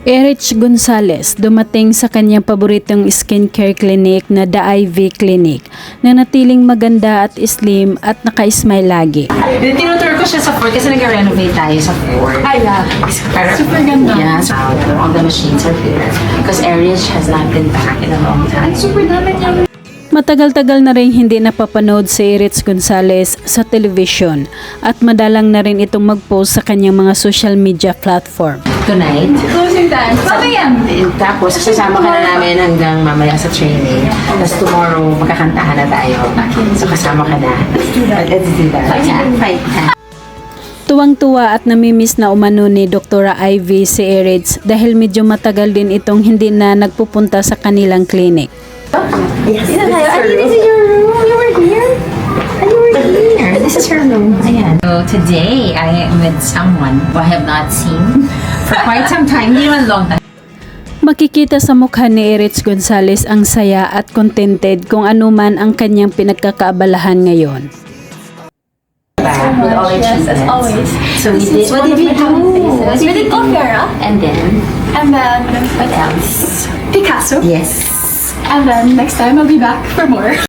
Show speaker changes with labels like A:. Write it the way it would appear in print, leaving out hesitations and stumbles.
A: Erich Gonzalez dumating sa kanyang paboritong skincare clinic na The Ivy Clinic na natiling maganda at slim at naka-smile lagi.
B: Tinutur ko siya sa Ford kasi nag-renovate tayo sa Ford.
C: Ay, yeah.
B: Super
C: ganda.
B: Yeah, so all the machines are there. Because Erich has not been back in a long time.
C: Super dami niya.
A: Matagal-tagal na rin hindi napapanood si Erich Gonzalez sa television at madalang na rin itong mag-post sa kanyang mga social media platform.
B: Tonight.
C: Closing time. Mamaya.
B: Tapos kasama ka na namin hanggang mamaya sa training. Tapos tomorrow magkakantahan na tayo. So kasama ka na. Let's do that. Fight.
A: Tuwang-tuwa at namimiss na umano ni Dr. Ivy si Erich dahil medyo matagal din itong hindi na nagpupunta sa kanilang clinic.
B: Yes,
C: This is your room. You were here?
B: here. This is her room. Ayan. So today, I am with someone who I have not seen for quite some time. Hindi naman long time.
A: Makikita sa mukha ni Erich Gonzalez ang saya at contented kung ano man ang kanyang pinagkakaabalahan ngayon.
B: With all our
C: Yes, as
B: treatments.
C: always.
B: So we did, what did we do?
C: We did Opera.
B: And then,
C: And then
B: what else?
C: Picasso.
B: Yes.
C: And then next time I'll be back for more.